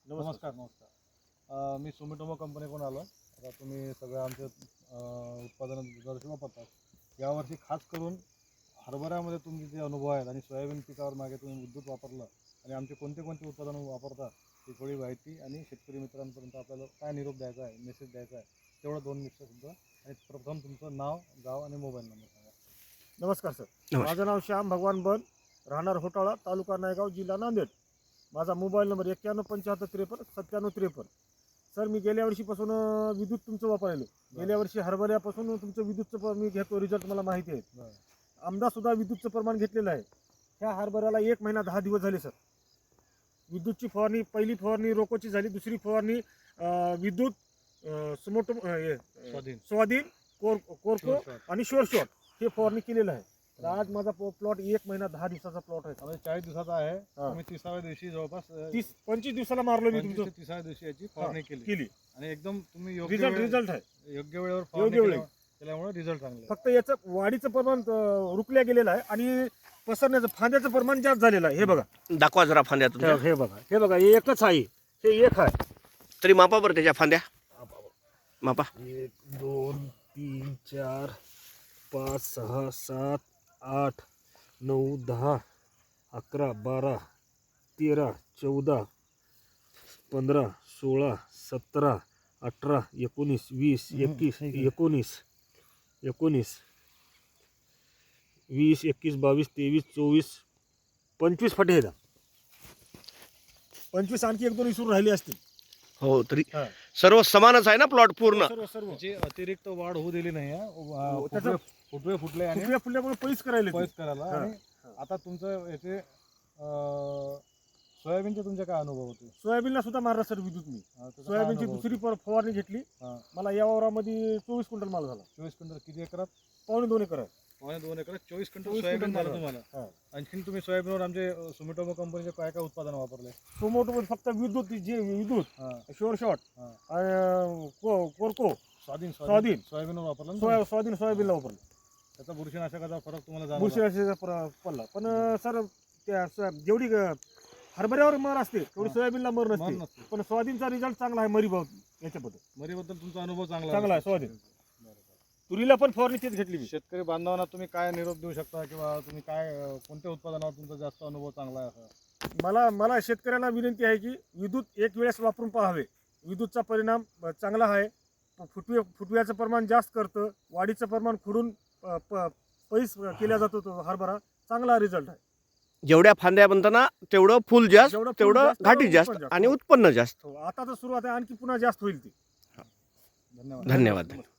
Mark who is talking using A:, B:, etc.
A: नमस्कार. मी सुमिटोमो कंपनीकडून आलो. आता तुम्ही सगळं आमचे उत्पादन दरवर्षी वापरतात. यावर्षी खास करून हरभऱ्यामध्ये तुमचे जे अनुभव आहेत आणि सोयाबीन पिकावर मागे तुम्ही विद्युत वापरलं आणि आमचे कोणते कोणते उत्पादन वापरतात ती थोडी माहिती आणि शेतकरी मित्रांपर्यंत आपल्याला काय निरोप द्यायचा आहे, मेसेज द्यायचा आहे, तेवढं 2 मिनिटं सुद्धा. आणि प्रथम तुमचं नाव, गाव आणि मोबाईल नंबर सांगा.
B: नमस्कार सर. माझं नाव श्याम भगवान बन, राहणार होटाळा, तालुका नायगाव, जिल्हा नांदेड. माझा मोबाईल नंबर 917553 सर, मी गेल्या वर्षीपासून विद्युत तुमचं वापरायलो. गेल्या वर्षी हरभऱ्यापासून तुमचं विद्युतचं मी घेतो, रिझल्ट मला माहिती आहे. आमदा सुद्धा विद्युतचं प्रमाण घेतलेलं आहे. ह्या हरभऱ्याला 1 महिना 10 दिवस झाले सर. विद्युतची फवारणी, पहिली फवारणी रोकोची झाली, दुसरी फवारणी विद्युत स्वाधीन, कोरको आणि शोर शॉट हे फवारणी केलेलं आहे. तर आज माझा प्लॉट 1 महिना 10 दिवसाचा प्लॉट आहे.
A: म्हणजे 40 दिवसाचा आहे. तुम्ही 30व्या दिवशी जवळपास
B: 25 दिवसाला मारलो मी तुमचं.
A: 30व्या दिवशी याची फवारणी केली आणि एकदम तुम्ही
B: रिझल्ट आहे.
A: योग्य वेळेवर फवारणी केल्यामुळे रिझल्ट चांगले.
B: फक्त याचं वाढीचं प्रमाण रुकल्या गेलेलं आहे आणि पसरण्याचं फांद्याचं प्रमाण जास्त झालेलं आहे. हे बघा,
C: दाखवा जरा फांद्या तुमच्या.
B: हे बघा हे एकच आहे. हे एक आहे.
C: तरी मापा बरं त्याच्या फांद्या मापा.
B: 1 2 3 4 5 6 7 8 9 10 11 12 13 14 15 16 17 18 19 20 21 19 20 21 22 23 24 25 फाटे आहेत. 25 आणखी 1 2 विसरून राहिले असतील.
C: हो, तरी सर्व समानच आहे ना प्लॉट पूर्ण.
B: सर्व
A: त्याची अतिरिक्त वाढ होऊ दिली नाही.
B: त्याचं
A: फुटवे आणि
B: फुटल्यामुळे पैस
A: करायला. आणि आता तुमचं याचे सोयाबीनचे तुमचे काय अनुभव होते?
B: सोयाबीनला सुद्धा मारला सर विद्युत मी. सोयाबीनची दुसरी फवारणी घेतली. मला या वावरामध्ये 24 क्विंटल माल झाला.
A: 24 क्विंटल किती एकरात?
B: 2.25 एकर आहे.
A: 2.25 एकरात 24 क्विंटल सोयाबीन झालं तुम्हाला. आणखी तुम्ही सोयाबीनवर आमचे सुमिटोमो कंपनीचे काय काय उत्पादन वापरले?
B: सुमोटो फक्त विद्युत शोर शॉट, कोरको,
A: स्वाधीन सोयाबीनवर वापरलं.
B: सोयाबीनला वापरलं.
A: त्याचा बुरशीनाशकाचा फरक तुम्हाला जाणवला?
B: बुरशीनाशकाचा पडला. पण सर त्या जेवढी हरभऱ्यावर मर असते तेवढी सोयाबीनला मर नसते. पण स्वाधीनचा रिझल्ट चांगला आहे.
A: मरीबद्दल तुमचा अनुभव
B: चांगला आहे. स्वाधीन तुरीला पण फवारणी तेच घेतली.
A: शेतकरी बांधवांना तुम्ही काय निरोप देऊ शकता किंवा तुम्ही काय कोणत्या उत्पादनावर तुमचा जास्त अनुभव चांगला आहे असं?
B: मला शेतकऱ्यांना विनंती आहे की विद्युत एक वेळेस वापरून पाहावे. विद्युतचा परिणाम चांगला आहे. फुटव्याचं प्रमाण जास्त करतं. वाढीचं प्रमाण खुडून पैस केला जातो. तो हरभरा चांगला रिझल्ट आहे.
C: जेवढ्या फांद्या बनताना तेवढं फुल जास्त, तेवढं घाटी जास्त आणि उत्पन्न जास्त.
B: आता तर सुरुवात आहे, आणखी पुन्हा जास्त होईल ती.
A: धन्यवाद.
C: धन्यवाद.